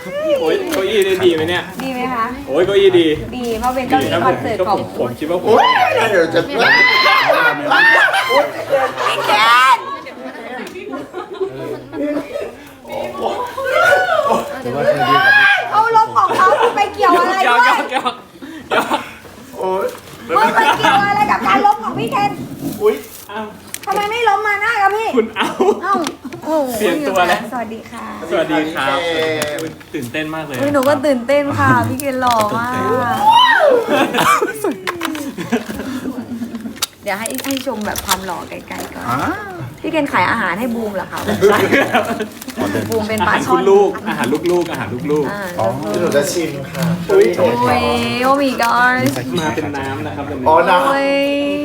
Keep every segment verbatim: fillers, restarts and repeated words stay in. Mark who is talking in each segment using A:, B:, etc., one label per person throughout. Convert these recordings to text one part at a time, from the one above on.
A: โอ้ยเก้าอี้ได้ดีไหมเนี่ย
B: ดีไหมคะ
A: โอ้ยเก้าอี้ดี
B: ดีเพราะเป็นเก้าอี้คอนเสิร์ตของ
A: ผมคิดว่าผม
C: โอ้ยเดี๋ยวจะ
B: พี่เกนเขาลบของเขาไปเกี่ยวอะไร
A: เกี่ยว
B: ด้วย
A: เกี่ยวเกี่ยว
C: โอ้ย
B: มึงไปเกี่ยวอะไรกับการลบของพี่เคน
A: อุ้ยเอา
B: ทำไมไม่ล้มมาหน้ากับพี่
A: คุณเอา
B: เอ้าโอ้โห
A: เปลี่ยนตัวแล้ว
B: สวัสดีค่ะ
A: สวัสดีครับตื่นเต้นมากเลย
B: อุ๊ยหนูก็ตื่นเต้นค่ะ พี่เคนหล่อมาก เดี๋ยวให้ให้ชมแบบความหล่อไกลๆก่อนพี่เคนขายอาหารให้บูมเหรอคะบูมเป็นปลา
A: อาหาร
B: ช่อ
A: คุ
B: น
A: ณลูกอาหารลูกๆอาหารลูก
B: อ่า
C: อ๋อหนูจะชิมค่ะ
A: อุ้ย
B: โอ้ยโอ้ my god
A: ๆมาเป็นน้ำนะครับวันนี้
C: อ๋อนะ
B: โอ้ย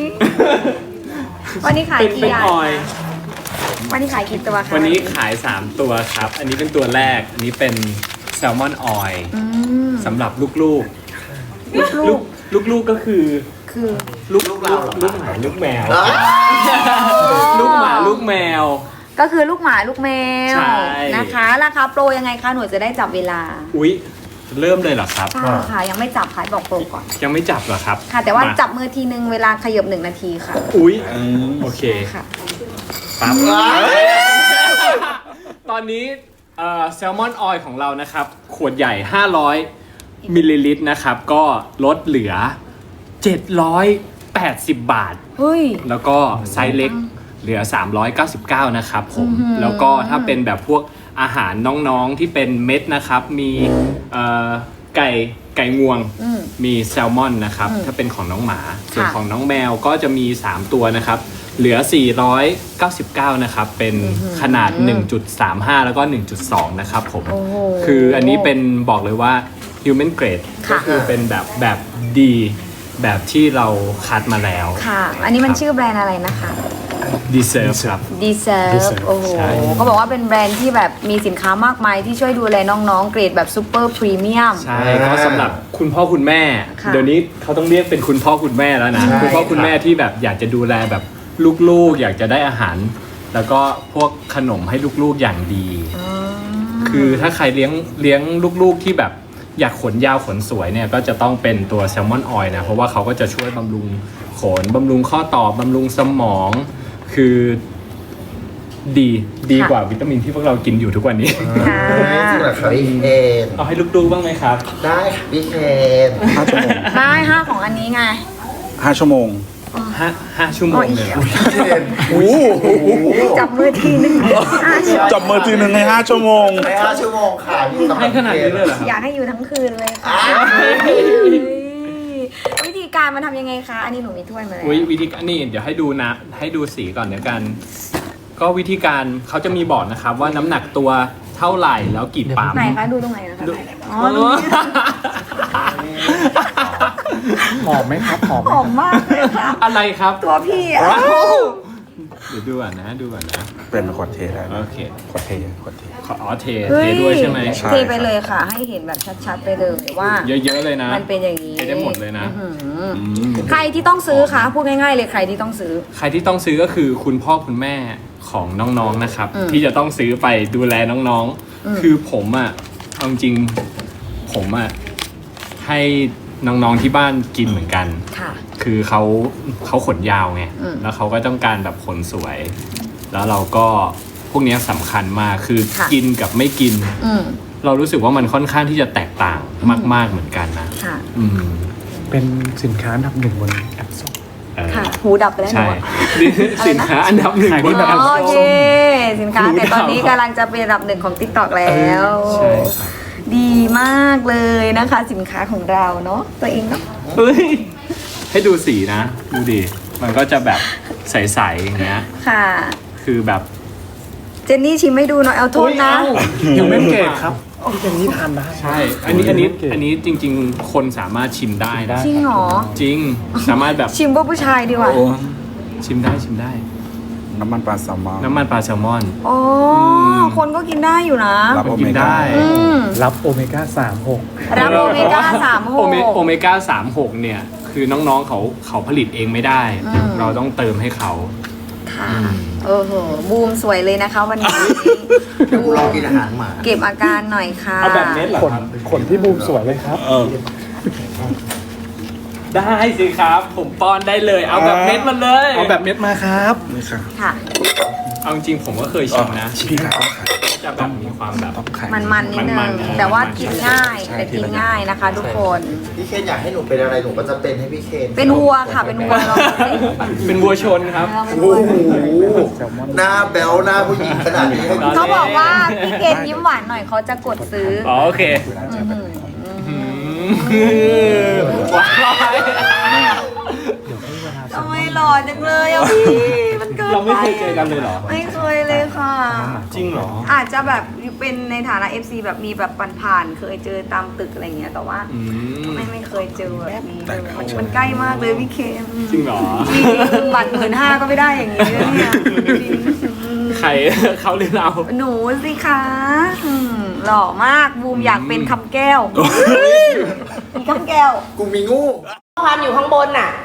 B: วันนี้ขาย
A: เป็น
B: กี่
A: เป็น
B: อย่าง
A: ออย
B: วันนี้ขายกี่ตัวคะ
A: วันนี้ขาย สาม ตัวครับ อันนี้เป็นตัวแรก อันนี้เป็นแซลมอนออย
B: อืม
A: สำหรับลูกๆ
B: ลูก
A: ลูกลูกๆก็คือ
B: คือ
A: ลูกลูกลูกหมาลูกแมว ลูกหมาลูกแมว
B: ก็คือลูกหมาลูกแมว
A: ใช่
B: นะคะราคาโปรยังไงคะหนูจะได้จับเวลา
A: อุ๊ย เริ่มเลยเหรอครับ
B: ใช่ค่ะยังไม่จับค่ะบอกโปรก่อน
A: ยังไม่จับเหรอครับ
B: ค่ะ แต่ว่า
A: มา
B: จับมือทีนึงเวลาขยับหนึ่งนาทีค่ะ
A: อุ๊ยโอเค
B: ค่ะ
A: ปั๊บตอนนี้แซลมอนออยของเรานะครับ ขวดใหญ่ ห้าร้อยมิลลิลิตรนะครับ ก็ลดเหลือ เจ็ดร้อยแปดสิบ บาท
B: เฮ้ย
A: แล้วก็ไซส์เล็กเหลือ สามร้อยเก้าสิบเก้า นะครับผม
B: อื้อหือ
A: แล้วก็ถ้าเป็นแบบพวกอาหารน้องๆที่เป็นเม็ดนะครับ มีเอ่อไก่ไก่งวง
B: อืม
A: มีแซลมอนนะครับ
B: อืม
A: ถ้าเป็นของน้องหมา ส่วน
B: ค่ะ
A: ของน้องแมวก็จะมี สาม ตัวนะครับ เหลือ สี่ร้อยเก้าสิบเก้า นะครับ เป็นขนาด หนึ่งจุดสามห้า แล้วก็ หนึ่งจุดสอง นะครับผม
B: โอ้โห
A: คืออันนี้เป็นบอกเลยว่า human grade
B: ค่ะ
A: ก็คือเป็นแบบแบบดีแบบที่เราคัดมาแล้ว
B: ค่ะ อันนี้มันชื่อแบรนด์อะไรนะคะ
A: deserve ครับ
B: Deserve
A: Deserve
B: โอ้โห
A: ใช่
B: เขาบอกว่าเป็นแบรนด์ที่แบบมีสินค้ามากมายที่ช่วยดูแลน้องๆ เกรดแบบซูเปอร์พรีเมียม
A: ใช่ก็สำหรับคุณพ่อคุณแม่
B: ค่ะ
A: เดี๋ยวนี้เขาต้องเรียกเป็นคุณพ่อคุณแม่แล้วนะ
C: ใช่
A: คุณพ่อคุณแม่ที่แบบอยากจะดูแลแบบลูกๆ อยากจะได้อาหาร แล้วก็พวกขนมให้ลูกๆอย่างดี คือถ้าใครเลี้ยงเลี้ยงลูกๆที่แบบอยากขนยาวขนสวยเนี่ยก็จะต้องเป็นตัวแซลมอนออยล์นะเพราะว่าเขาก็จะช่วยบำรุงขนบำรุงข้อต่อบำรุงสมอง คือดีดีกว่าวิตามินที่พวกเรากินอยู่ทุกวันนี้
B: ค่ะ
C: จริงเหรอครับพี่เคน
A: เอาให้ลูกๆบ้างไหมครับ
C: ได้ค่ะพี่เคน
D: ห้าชั่วโมง
B: ได้ห้าของอันนี้ไง
D: ห้าชั่วโมง
A: ห้าห้าชั่วโมงเลยเหรอ
C: พี่เคน
D: โอ้โห
B: จับมือทีนึงห้าชั่วโมง
D: จับมือทีหนึ่งในห้าชั่วโมง
C: ในห้าชั่วโมงค่ะพี่สำหรับ
A: ให้ขนาดนี้เลยเหรอครับ
B: อยากให้อยู่ทั้งคืนเลยค่ะวิธีการมันทำยังไงคะ อันนี้หนูมีถ้วยมาแล้ว
A: อุ๊ยวิธีการนี่เดี๋ยวให้ดูนะให้ดูสีก่อนเดี๋ยวกัน ก็วิธีการเขาจะมีบอกนะครับว่าน้ำหนักตัวเท่าไหร่แล้วกี่ปั๊ม
B: ไหนคะดูตรงไหนนะคะ
A: ดู
B: อ๋อตรงนี้
D: หอมไหมครับหอมไหม
B: หอมมากเลยค่ะ
A: อะไรครับ
B: ตัวพี่อ่ะ
A: เดี๋ยวดูก่อนนะดูก่อนนะ
D: เป็นขวดเทได้
A: โอเค
D: ขวดเทขวดเท
A: ขออ๋อเทเทด้วยใช่ไหม
D: ใช่
B: เทไปเลยค่ะ ให้เห็นแบบชัดๆไปเลยว่า
A: เยอะๆเลยนะ
B: มันเป็นอย่างนี้
A: เทได้หมดเลยนะ
B: อื้อหือ
A: อืม
B: ใครที่ต้องซื้อคะพูดง่ายๆเลยใครที่ต้องซื้อ
A: ใครที่ต้องซื้อก็คือคุณพ่อคุณแม่ของน้องๆนะครับ
B: อืม
A: ที่จะต้องซื้อไปดูแลน้อง
B: อืม
A: ๆ คือผมอ่ะเอาจริงผมอ่ะให้น้องๆที่บ้านกินเหมือนกัน
B: ค่ะ
A: คือเขาเขาขนยาวไง
B: อืม
A: แล้วเขาก็ต้องการแบบขนสวย แล้วเราก็พวกเนี้ยสำคัญมาก คือ
B: ค่ะ
A: กินกับไม่กิน
B: อืม
A: เรารู้สึกว่ามันค่อนข้างที่จะแตกต่างมาก ๆเหมือนกันนะ
B: ค่ะ
A: อืม
D: เป็นสินค้าอันดับหนึ่งบนแอปส้ม
A: เออ
B: ค่ะ หูดับไปแล้วหนู
A: ใช่
B: อะ
A: สินค้าอันดับหนึ่งบน
D: ขายดีแบบ
A: แอป
B: อ๋อ
A: ส้
B: โอ
A: ม
B: เคสินค้า
A: หูดับ
B: แต่ตอนนี้กำลังจะเป็นอันดับหนึ่งของ ติ๊กต็อก แล้ว
A: ใช่ครับ
B: ดีมากเลยนะคะ สินค้าของเราเนาะตัวเองเนาะ
A: เฮ้ยให้ดูสีนะ ดูดิ มันก็จะแบบใสๆอย่างเงี้ย
B: ค่ะ
A: คือแบบ
B: เจนนี่ชิมให้ดูหน่อยเอาโทษนะ
D: ยังไม่เกตครับที่เป็นนี้ทานได้
A: ใช่ อันนี้อันนี้อันนี้จริง ๆ คนสามารถชิมได้นะ
B: จริงเหรอ
A: จริง สามารถแบบ
B: ชิมพวกผู้ชายดีกว่า
D: โอ้
A: ชิมได้ชิมได้
D: น้ำมันปลาแซลมอน
A: น้ำมันปลาแซลมอน
B: อ๋อ คนก็กินได้อยู่นะ
D: รับ
A: คน
D: โอ
A: กิ
D: เม
A: น
D: ก้า
A: ได้
B: อืม
E: รับโอเมก้าสามหก
B: รับโอเมก้าสามห
A: โอก เมโอเมก้าสามหกเนี่ย คือน้องๆเขาเขาผลิตเองไม่ได้
B: อืม
A: เราต้องเติมให้เขา
B: คค่ะเออเหอะบูมสวยเลยนะคะวันนี้
C: เดี๋ยวกูลองกินอาหารหมา
B: เก็บอาการหน่อยค่ะ
A: เอาแบบเม็ดเหรอ
E: ขนขนที่บูมสวยเลยครับ
D: เออ
A: ได้สิครับ ผมป้อนได้เลย เอาแบบเม็ดมาเลย
E: เอาแบบเม็ดมาครับ
D: นี่ค่ะ
B: ค่ะ
A: เอาจริงๆผมก็เคยชิมนะ
D: พี่ค่ะต้องขาย
A: จะแบบมีความแบบ
D: ต้องขาย
B: มันๆนิดนึ
A: มัน
B: ง
A: ๆนะ
B: แต่ว่า
A: มันๆ
B: กินง่าย
D: ใช่
B: แต่กินง่ายนะคะ ทุกคน
C: พี่เคนอยากให้หนูเป็นอะไรหนูก็จะเป็นให้พี่เคน
B: เป็นวัวค่ะเป็นวัวลองดูสิ
A: เป็นวัวชนครับ
B: ลองเป็นวัว
E: แซลมอน
C: หน้าแบลหน้าผู้หญิงขนาดนี้ให้
B: เขาบอกว่าพี่เกณยิ้มหวานหน่อยเขาจะกดซื้อ
A: อ๋อโอเค
B: อืม
A: ว้าย
B: ทำไมหล่อจังเลยอ่ะพี่มันเกินไป
A: เราไม่เคยเจอกันเลยเหรอ
B: ไม่เคยเลยค่ะ
A: จริงเหรอ
B: อาจจะแบบเป็นในฐานะ เอฟ ซี แบบมีแบบผ่านๆเคยเจอตามตึกอะไรเงี้ยแต่ว่า
A: อืม
B: ไม่ไม่เคยเจอแบบนี้เลยมันมันใกล้มากเลยพี่เคน
A: จริงเหรอ
B: จริงบัตรหมื่นห้าก็ไม่ได้อย่างนี้เลยเนี่ยจริง
A: ใคร เขาหรือเรา
B: หนูสิคะอืมหล่อมากบูมอยากเป็นคำแก้วมีคำแก้ว
C: กูมีงู
B: ความอยู่ข้างบนน่ะ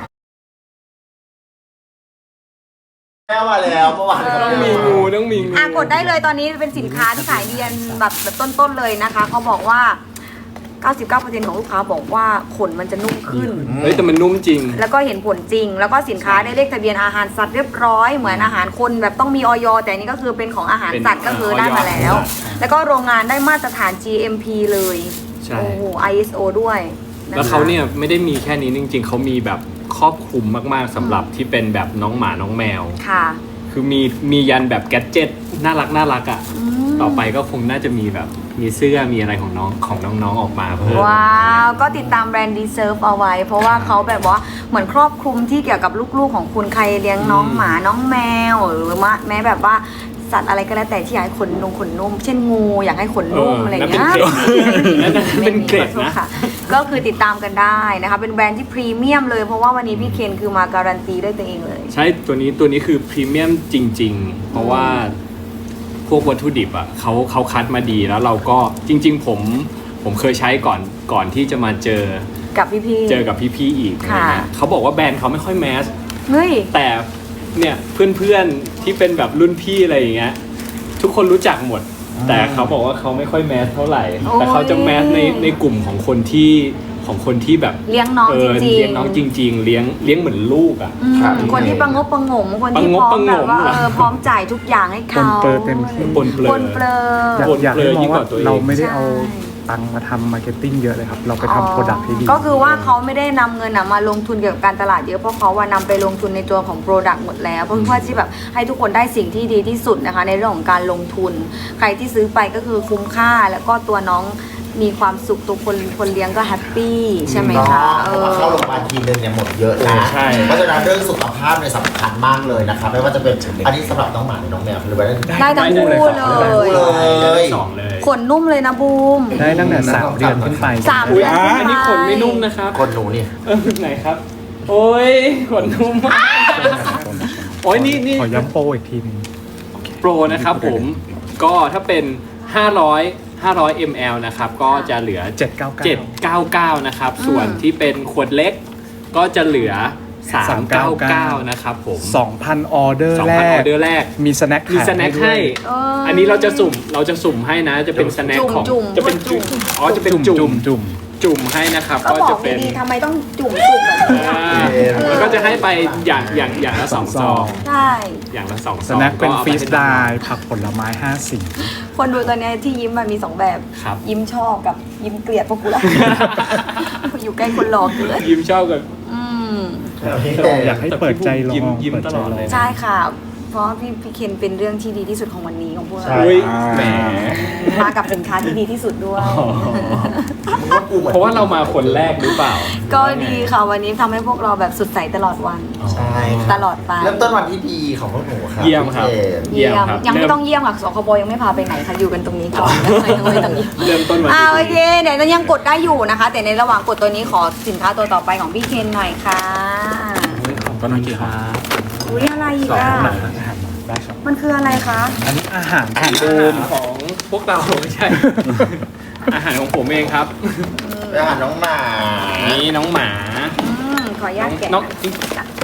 C: แม่มาแล้วเมื่อวาน
A: ต้องมีงูต้องมีงู
B: อ่ะกดได้เลยตอนนี้เป็นสินค้าที่ขายดีอันแบบแบบต้นๆเลยนะคะเขาบอกว่า เก้าสิบเก้าเปอร์เซ็นต์ ของลูกค้าบอกว่าขนมันจะนุ่มขึ้น
A: เฮ้ยแต่มันนุ่มจริง
B: แล้วก็เห็นผลจริง แล้วก็สินค้าได้เลขทะเบียนอาหารสัตว์เรียบร้อยเหมือนอาหารคนแบบต้องมีออย แต่อันนี้ก็คือเป็นของอาหารสัตว์ก็คือได้มาแล้ว แล้วก็โรงงานได้มาตรฐาน จี เอ็ม พี เลย
A: ใช่
B: โอ้โห ไอ เอส โอ ด้วยะคะ
A: แล้วเขาเนี่ยไม่ได้มีแค่นี้จริงๆ เขามีแบบครอบคลุมมากๆสำหรับที่เป็นแบบน้องหมาน้องแมว
B: ค่ะ
A: คือมีมียันแบบแกดเจ็ตน่ารักน่ารักอ่ะ
B: ม
A: ต่อไปก็คงน่าจะมีแบบมีเสื้อมีอะไรของน้องของน้องๆออกมาเพิ่ม
B: ว้าว ก็ติดตามแบรนด์ Deserve เอาไว้ เพราะว่าเขาแบบว่าเหมือนครอบคลุมที่เกี่ยวกับลูกๆของคุณใครเลี้ยงน้องหมาน้องแมว หรือว่าแม้แบบว่าสัตว์อะไรก็แล้วแต่ที่อยากให้ขนนุ่มขนนุ่ม เช่นงูอยากให้ขนนุ่ม
A: เอออ
B: อะไรอย่างเงี้ย
A: นั่นเป็นเกรดนะ
B: ไม่มีขอโทษค่ะ ก็คือติดตามกันได้นะคะ เป็นแบรนด์ที่พรีเมียมเลย เพราะว่าวันนี้พี่เคนคือมาการันตีด้วยตัวเองเลย
A: ใช่ตัวนี้ตัวนี้คือพรีเมียมจริง ๆ เพราะว่าพวกวัตถุดิบอ่ะเขาเขาคัดมาดีแล้วเราก็จริง ๆ ผมผมเคยใช้ก่อนก่อนที่จะมาเจอ
B: กับพี่ๆ
A: เจอกับพี่ๆอีกอะไร
B: ค่ะ
A: เงี้ยเขาบอกว่าแบรนด์เขาไม่ค่อยแมส
B: เฮ้ย
A: แต่เนี่ยเพื่อนๆที่เป็นแบบรุ่นพี่อะไรอย่างเงี้ยทุกคนรู้จักหมด แต่เขาบอกว่าเขาไม่ค่อยแมสเท่าไหร่
B: โอ้ย
A: แต่เขาจะแมสในในกลุ่มของคนที่ของคนที่แบบ
B: เลี้ยงน้อง
A: เอ
B: จ
A: อ
B: ริงๆ
A: เลี้ยงน้องจริง ๆ เลี้ยงเลี้ยงเหมือนลูกอ่ะ
B: อืมคนที่ประงบประหงมคนที่
A: ประง
B: พ
A: บ
B: ร้อ
A: ประ
B: ม
A: หงม
B: แบบว่า
A: เหรอ
B: เออพร้อมจ่ายทุกอย่างให้
E: ป
B: เขา
E: นเปอร์เต็มที่
A: ปนเปลื
B: ปนเปลือ
E: อยาก
A: ปน
E: อยาก
A: เปลื
E: ให้
A: อ
E: มอง
A: ยิ่งก
E: ว่า
A: ว่าตัวเอง
E: เราไม่ได้
B: ใช่
E: เอาตังค์มาทำมาร์เก็ตติ้งเยอะเลยครับ เราไปทำโปรดักต์ให้ดี
B: ก็คือว่าเขาไม่ได้นำเงินนะมาลงทุนเกี่ยวกับการตลาดเยอะเพราะเขาว่านำไปลงทุนในตัวของโปรดักต์หมดแล้วเพื่อว่าที่แบบให้ทุกคนได้สิ่งที่ดีที่สุดนะคะ ในเรื่องของการลงทุน ใครที่ซื้อไปก็คือคุ้มค่าแล้วก็ตัวน้องมีความสุขตัวคนคนเลี้ยงก็แฮปปี้ใช่ไหมคะเอ
C: เพราะ
B: อ
C: ว่าเข้าโรงพยาบาลทีนึงเนี่ยหมดเยอะนะ
A: ใช่
C: เพราะฉะนั้นเรื่องสุขภาพเนี่ยสำคัญมากเลยนะครับไม่ว่าจะเป็นอันนี้สำหรับน้องหมาหรือน้องแมวหรือว่า
B: ได้ทั้งคู่เลย
C: เลย
A: สองเลย
B: ขนนุ่มเลยนะบูม
E: ได้ตั้งแต่สามเดือนขึ้นไป
B: สาม
A: อุ๊
B: เดื
A: ย
B: อนขึ้นไป
A: อันนี้ขนไม่นุ่มนะครับ
C: คนหนูนี่
A: เออไหนครับ โอ้ยขนนุ่มมากโอ้ยนี่นี่
E: ขอย้ำโปรอีกทีหนึง
A: โปรนะครับผมก็ถ้าเป็นห้าร้อย ห้าร้อย มิลลิลิตร นะครับก็จะเหลือ
E: เจ็ดเก้าเก้า
A: เจ็ดเก้าเก้านะครับส่วนที่เป็นขวดเล็กก็จะเหลือสามเก้าเก้านะครับผม
E: สองพันออเดอร์
A: สอง
E: แร
A: พันอก อเดอร์แรก
E: มีสแน็ค
A: มีสแน็คให้
B: เอออั
A: อันนี้เราจะสุ่มเราจะสุ่มให้นะจะเป็นสแน็คของ
B: จุ่มๆ
A: จะเป็น
B: จุ่
A: จุ่
B: ม
A: มอ๋อจะเป็น
E: จุ่
A: จุ่
E: ม
A: ม
E: จุ่ม
A: จุ่มให้นะครับ
B: ก็
A: ก็
B: บอ
A: จะ
B: ก
A: เป็น
B: ดีๆทำไมต้องจุ่มจุ่มแบบนี้
A: อ่า
B: เออ
A: แล้วก็จะให้ไปอย่างอย่างอย่างละสองซอง
B: ใช่
A: อย่างละสองซ
E: ส
A: อง
E: แน็คเป็น
A: ก็อา
E: ฟรี
A: ให้
E: สไตล์ผักผลไม้ห้าสี
B: คนดูตอนเนี้ยที่ยิ้มมันมีสองแบบ
A: ครับ
B: ยิ้มชอบกับยิ้มเกลียดพวกกูละ อยู่ใกล้คนหลอกเกิน
A: ยิ้มชอบกับ
B: อืม
E: อยากให้เปิดใจลอง
A: ยิ้มยิ้ม
E: เปิด
A: ต
E: ใจ
A: ลอด
E: ล
A: เล
E: อย ง
B: ใช่ค่ะ เพราะพี่พี่เคนเป็นเรื่องที่ดีที่สุดของวันนี้ของพวกเรา
A: อุ้ยแหม
B: มากับสินค้าที่ดีที่สุดด้วย
C: มึงว่ากูเหมือน
A: เพราะว่าเรามาคนแรกหรือเปล่า
B: ก็ดีค่ะวันนี้ทำให้พวกเราแบบสุดใสตลอดวัน
C: ใช่
B: ตลอดไป
C: เริ่มต้นวันที่ดีของพวกหนูครับ
A: เยี่ยมครับ
C: พี่เคน
B: เยี่ยม
A: ครับ
B: ยังไม่
A: เริ่ม
B: ต้องเยี่ยมค่ะสคบยังไม่พาไปไหนค่ะอยู่กันตรงนี้ก่อนไม่ต้องไม่ต้องเยี่ยม
A: เริ่มต้นวัน
B: อ่า
A: ที่
B: โอ
A: ดี
B: เคเดี๋ยวเรายังกดได้อยู่นะคะ แต่ในระหว่างกดตัวนี้ขอสินค้าตัวต่อไปของพี่เคนหน่อยค่ะ
E: ก็นั่นคือครับ
B: อุ้ยอะไรอีก
E: สอง
B: อ่ะ
E: หนังอาหารได้ครับ
B: มันคืออะไรคะ
E: อันนี้อาหาร
A: อา
E: ของ
A: หาร
E: บูม
A: ของพวกเราไม่ใช่ อาหารของผมเองครับ
C: ไปหาน้องหมา
A: นี่น้องหมา
B: อืมขออนุญาตแกะ
A: น้อง
B: อ่ะ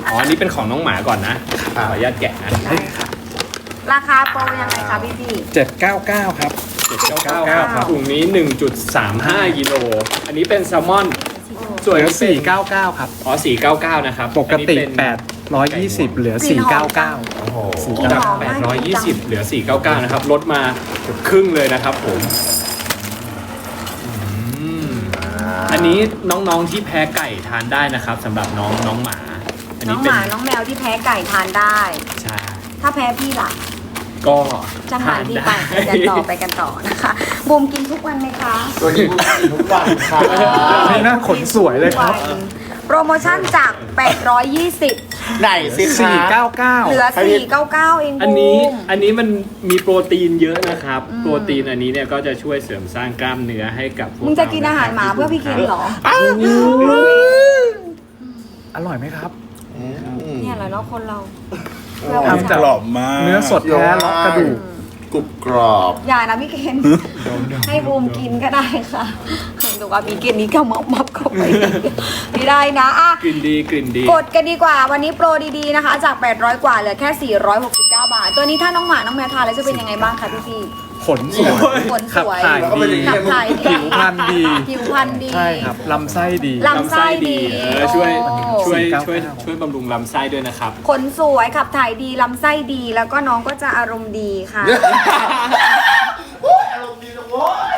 A: อ๋ออันนี้เป็นของน้องหมาก่อนนะขออนุญาตแกะนะ
B: ได้ค่ะราคาโปรยังไงคะพี่พี่
D: เจ็ดเก้าเก้าครับ
A: เจ็ดเก้าเก้าครับถุงนี้ หนึ่งจุดสามห้ากิโลอันนี้เป็นแซลมอนส่วน
E: เหลือ
A: เป็น
E: สี่เก้าเก้าครับ
A: อ๋อสี่เก้าเก้านะครับ
E: ปกติ
A: อันนี้เป็น
E: แปดร้อยยี่สิบเหลือสี่เก้าเก้า
C: โอ้โห
B: กลิ่น
A: จาก
B: หอม
A: แป
B: มา
A: ด
B: ก
A: ร้อยยี่สิบเหลือสี่เก้าเก้านะครับลดมาเกือบครึ่งเลยนะครับผมอืมอันนี้น้องๆที่แพ้ไก่ทานได้นะครับสำหรับน้องน้องหมา อัน
B: น้อ
A: นี้
B: งห
A: เป็น
B: มาน้องแมวที่แพ้ไก่ทานได้
A: ใช่
B: ถ้าแพ้พี่ล่ะ
A: ก็
B: จะหาที่ไปไปกันต่อไปกันต่อนะคะบูมกินทุกวันไหมคะ
C: ตัวนี้บูมกินทุกวันค่ะ
E: นี่น่าขนสวยเลยครับ
B: ทุกวันโปรโมชั่นจาก แปดร้อยยี่สิบ
C: ไหนสิคะ
E: สี่เก้าเก้า
B: เหลือ สี่เก้าเก้า เองบูม
A: อันนี้อันนี้มันมีโปรตีนเยอะนะครับ
B: อืม
A: โปรตีนอันนี้เนี่ยก็จะช่วยเสริมสร้างกล้ามเนื้อให้กับพวก
B: มึงจะกินอาหารหมาเพื่อพี่เคนเหรอ
E: อร่อยไหมครับ
B: เนี่ยแหละเนาะคนเรา
D: ทำกรอบมาก
E: เนื้อสดแท้เลาะกระดูก
C: กรุบกรอบ
B: อย่านะพี่เคนให้บูมกินก็ได้ค่ะดูว่าพี่เคนนี้ก็มับมับเข้าไปไม่ได้นะอ่ะ
A: กลิ่นดีกลิ่นดี
B: กดกันดีกว่าวันนี้โปรดีๆนะคะ จาก แปดร้อย กว่าเหลือแค่ สี่ร้อยหกสิบเก้า บาท ตัวนี้ถ้าน้องหมาน้องแมวทานแล้วจะเป็นยังไงบ้างคะพี่พี่
E: ขนสวย
B: ขนส
E: ขับ
B: วย
E: ถ่ายดี
B: ขับถ่ายดี
E: ผิวพรรณดี
B: ผิวพรรณดี
E: ใช่ครับลำไส้ดี
B: ลำไส้ดี
A: เออช่วย
B: โอ้
A: ช่วย
E: สี่เก้าเก้า
A: ช่วยช่วยบำรุงลำไส้ด้วยนะครับ
B: ขนสวยขับถ่ายดีลำไส้ดีแล้วก็น้องก็จะอารมณ์ดีค่ะ
C: โอ้ยอารมณ์ดีนะโว้ย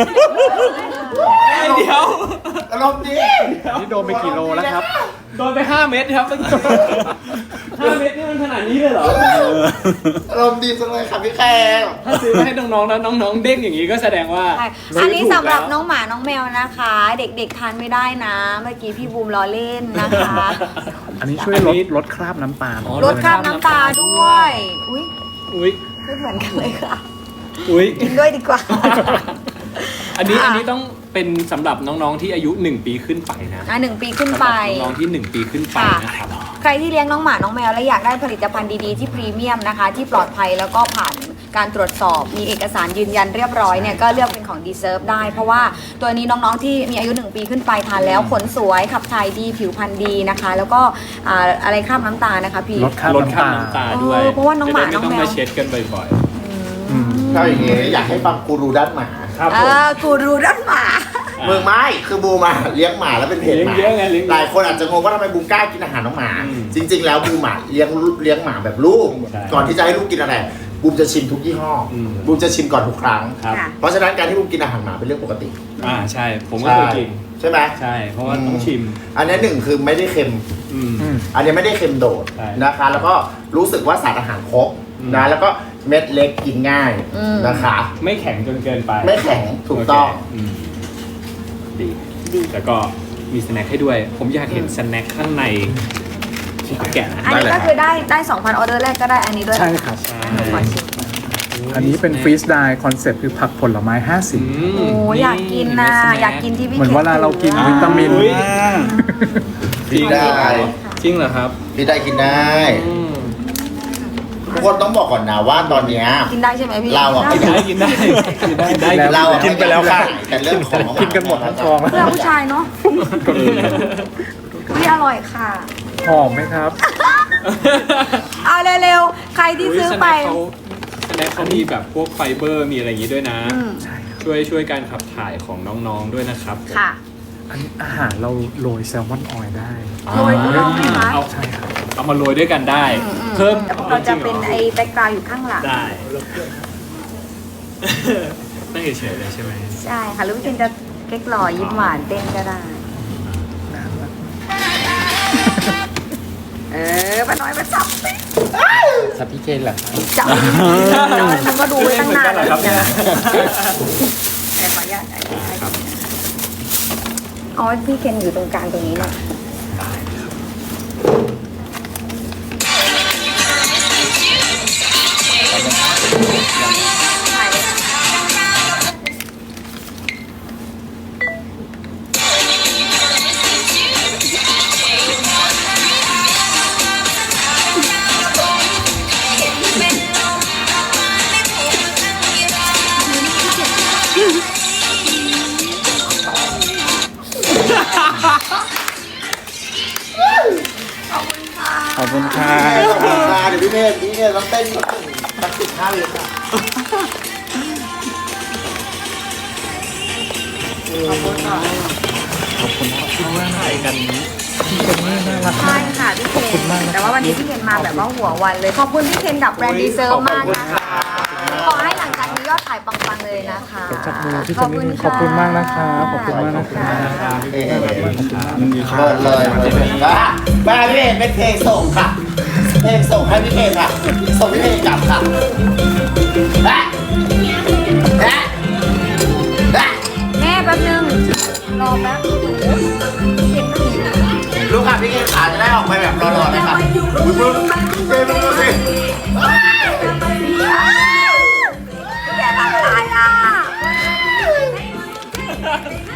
A: เดี๋ยว
C: อารมณ์ดี
E: นี่โดนไปกี่โลแล้วครับ
A: โดนไปห้าเม็ดครับห้าเม็ดนี่มันขนาดนี้เลยเหรอ
C: อารมณ์ดีจังเลยค่ะพี่แคม
A: ถ้าซื้อมาให้น้องๆแล้วน้องๆเด้งอย่างนี้ก็แสดงว่า
B: ใช่อันนี้สำหรับน้องหมาน้องแมวนะคะ เด็กๆทานไม่ได้นะ เมื่อกี้พี่บูมล้อเล่นนะคะ
E: อันนี้ช่วยลดลดคราบน้ำตาล
A: อ๋อ
B: ลดคราบน้ำตาด้วย อุ้ย
A: อุ้ย
B: ไม่เหมือนกันเลยค่ะ
A: อุ้ย
B: กินด้วยดีกว่า
A: อันนี้
B: อ่ะ
A: อันนี้ต้องเป็นสำหรับน้องๆที่อายุหนึ่งปีขึ้นไปนะ
B: อ่ะหนึ่งปีขึ้น
A: สำห
B: ไป
A: รับน้องๆที่หนึ่งปีขึ้นไป
B: ค่ะ
A: นะครับ
B: ใครที่เลี้ยงน้องหมาน้องแมวและอยากได้ผลิตภัณฑ์ดีๆที่พรีเมียมนะคะ ที่ปลอดภัยแล้วก็ผ่านการตรวจสอบมีเอกสารยืนยันเรียบร้อยเนี่ยก็เลือกเป็นของ Deserve ได้ เพราะว่าตัวนี้น้องๆที่มีอายุหนึ่งปีขึ้นไปทานแล้วขนสวยขับถ่ายดีผิวพรรณดีนะคะ แล้วก็อ่าอะไรคราบน้ำตาลนะคะพี่
E: ลดคราบ
A: ลดคราบ
E: น้ำ
A: น้ำ
E: ตา
A: ตา
E: ล
A: ด้วย
B: เออเพราะว่าน้องหมา
A: จะได้
B: น้อง
A: ไม่ต้อง
B: แมว
A: มาเช็ดกันบ่อย
E: อืม
C: ถ้าอย่างงี้อยากให้ฟังกูรูด้านหมา
A: ๆ ครับ
B: เอ
A: ผม
B: อกูรู้ด้านหมา
C: เมืองไม้คือบูมาเลี้ยงหมาแล้วเป็นเพจหมา
A: เลี้ยงเยอะไงเลี้ยงเยอะ
C: หลายคนอาจจะงงว่าทำไมบูมกล้ากินอาหารน้องหมา
A: อืม
C: จริง ๆ แล้วบูมหมาเลี้ยงเลี้ยงหมาแบบลูก
A: ใช่
C: ก่อนที่จะให้ลูกกินอะไรบูมจะชิมทุกยี่ห้ออ
A: ม
C: บูมจะชิมก่อนทุกครั้ง
A: ครับ
B: ค่ะ
C: เพราะฉะนั้นการที่บูมกินอาหารหมาเป็นเรื่องปกติ
A: อ่าใช่ ผมก็เคยกิน
C: ใช่ไหม
A: ใช่ เพราะว่าต้องชิม
C: อันนี้หนึ่งคือไม่ได้เค็ม
A: อืม
E: อืม
C: อันนี้ไม่ได้เค็มโดด
A: ใช่
C: นะคะ แล้วก็รู้สึกว่าสารอาหารครบ
A: อืม
C: นะแล้วก็เม็ดเล็กกินง่าย
B: อืม
C: นะคะ
A: ไม่แข็งจนเกินไป
C: ไม่แข็งถูกต้อง
A: โเคมดีดีแล้วก็มีสแน็คให้ด้วย ผมอยากเห็นสแน็คข้างในแกะนะ
B: อันนี้ก็คือได้ได้สองพันออเดอร์แรกก็ได้อันนี้ด้วย
E: ใช่ครับ
A: ใช่
B: อันนี้ขอชิม
E: อันนี้เป็นฟรีสไดคอนเซ็ปต์คือผักผลไม้ห้าสิบ
A: อืม
B: โอ้อยากกินนะ
A: สแ
B: อยากกินที่พี่
E: เหมือนเวลาเรากิน
B: อะ
E: วิตามิน
A: อุ๊ย
C: จริงได้
A: จริงเหรอครับ
C: พี่ได้กินได้
A: อืม
C: ทุกคนต้องบอกก่อนนะว่าตอนเนี้ย
B: กินได้ใช่ไหมพี่
C: เราอะ
A: กินได้กินได้กินได้กินได้
E: แล้ว
C: เราอะ
D: กินไปแล้วค่ะ
C: แต่เรื่องของ
E: กินกันหมดทั้งกองแล้ว
B: เพื่อผู้ชายเนาะไม่อร่อยค่ะ
E: หอมไหมครับ
B: เอาเร็วๆ ใครที่ซื้อไป
A: สแน็คเขามีแบบพวกไฟเบอร์มีอะไรอย่างนี้ด้วยนะ
B: อืม
A: ช่วยช่วยการขับถ่ายของน้องๆด้วยนะครับ
B: ค่ะ
E: อันนี้อาหารเราโรยแซลมอนออยล์ได้
B: โรยลงไหมคะ
A: เอา
E: ใช่ครับ
A: เอามาโรยด้วยกันได้
B: อืม
A: เพิ่ม
B: แต่พวกเราจะเป็นไอ้แบ็กกราวด์อยู่ข้างหลัง
A: ได้ตั้งเฉยๆเลยใช่ไหม
B: ใช่ค่ะหรือว่าคุณจะเก๊กหล่อยิ้มหวานเต้นก็ได้ เออป้าน้อยมาจับสิ
D: สับพี่เคนเหรอครับ
B: จับมันก็ดูไว้ตั้งนาน
A: เหมือนกันเหรอครับเนี่ย
B: แต่ขออนุญาตอ๋อพี่เคนอยู่ตรงกลางตรงนี้นะถ่ายเลยค่ะขอบคุณค่ะ
D: อบคุณค่ะ
C: ขอบคุณค่ะเดี๋ยวพี่เมย์พี่เมย์ต้องเต้นสักสิบห้าวิค่ะ
B: ขอบคุณค่ะ
E: ขอบคุณครับที่ว่าถ่ายกันพี่เจนนี่น่ารัก
B: ใช่
E: มาก
B: ค่ะพี่เคน
E: ขอบคุณมากนะ
B: แต่ว่าวันนี้พี่เคนมาแบบว่าหัววันเลย ขอบคุณพี่เคนกับแบรนด์ดีเซลมากนะคะขอให้หลังจากนี้ยอดขายปังๆเลยนะคะ
E: จับมือพี่เจนนี่ขอบคุณมากนะคะขอบคุณมากนะคะ
C: เอ๊ะ
D: มันดีค่ะ
C: เปิดเลยเปิดเลยว่าว่าพี่เมย์เป็นเพลงส่งค่ะ เพลงส่งให้พี่เมย์ค่ะ ส่งพี่เมย์กลับค่ะแอะแอะแอะ
B: แม่แป๊บนึง รอแป๊บเห็นไหม
C: ลูกค่ะพี่เมย์ขาจะได้ออกไปแบบหล่อๆเลยค่ะ